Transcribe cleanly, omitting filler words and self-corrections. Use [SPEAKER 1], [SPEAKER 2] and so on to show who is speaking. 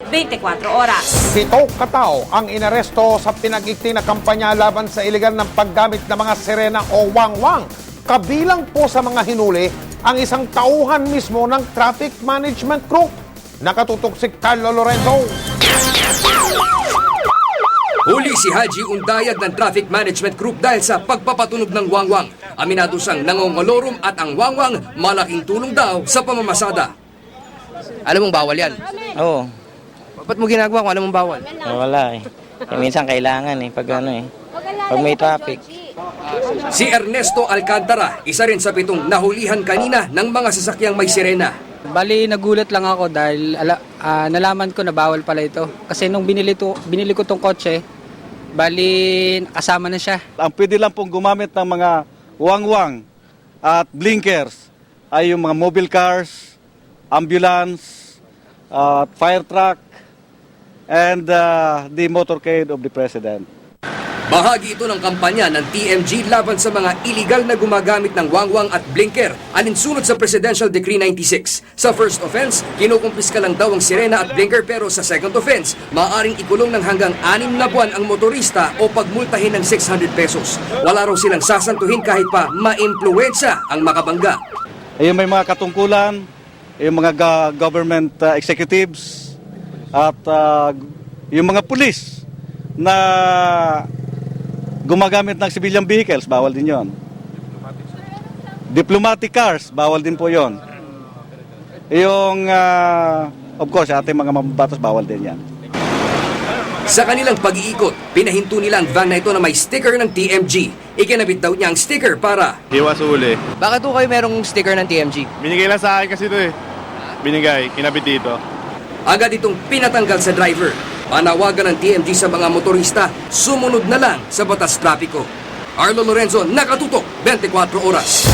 [SPEAKER 1] 24 oras.
[SPEAKER 2] 7 katao ang inaresto sa pinag-ikti na kampanya laban sa iligal ng paggamit ng mga sirena o wangwang. Kabilang po sa mga hinuli ang isang tauhan mismo ng Traffic Management Group. Nakatutok si Carlo Lorenzo.
[SPEAKER 3] Huli si Haji Undayag ng Traffic Management Group dahil sa pagpapatunog ng wangwang. Aminado siyang nangongolorum at ang wangwang malaking tulong daw sa pamamasada.
[SPEAKER 4] Alam mong bawal yan?
[SPEAKER 5] Oo.
[SPEAKER 4] Ba't mo ginagawa kung alam mong bawal?
[SPEAKER 5] Wala eh. Minsan kailangan pag pag may traffic.
[SPEAKER 3] Si Ernesto Alcantara, isa rin sa 7 nahulihan kanina ng mga sasakyang may sirena.
[SPEAKER 6] Bali, nagulat lang ako dahil nalaman ko na bawal pala ito. Kasi nung binili ko tong kotse, bali, kasama na siya.
[SPEAKER 7] Ang pwede lang pong gumamit ng mga wangwang at blinkers ay yung mga mobile cars, ambulance, fire truck, and the motorcade of the President.
[SPEAKER 3] Bahagi ito ng kampanya ng TMG laban sa mga iligal na gumagamit ng wangwang at blinker alinsunod sa Presidential Decree 96. Sa first offense, kinukumpiska lang daw ang sirena at blinker pero sa second offense, maaaring ikulong ng hanggang 6 na buwan ang motorista o pagmultahin ng 600 pesos. Wala raw silang sasantuhin kahit pa maimpluwensya ang makabangga.
[SPEAKER 7] Ayun, may mga katungkulan, yung mga government executives at yung mga pulis na gumagamit ng civilian vehicles, bawal din yon. Diplomatic cars, bawal din po yon. Yung, of course, ating mga mababatas, bawal din yan.
[SPEAKER 3] Sa kanilang pag-iikot, pinahinto nila ang van na ito na may sticker ng TMG. Ikinabit daw niya ang sticker para
[SPEAKER 8] Iwas uli.
[SPEAKER 4] Bakit po kayo merong sticker ng TMG?
[SPEAKER 8] Binigay lang sa akin kasi ito eh. Binigay, kinabit dito.
[SPEAKER 3] agad itong pinatanggal sa driver. Panawagan ng TMG sa mga motorista, sumunod na lang sa batas trapiko. Arlo Lorenzo, nakatutok, 24 oras.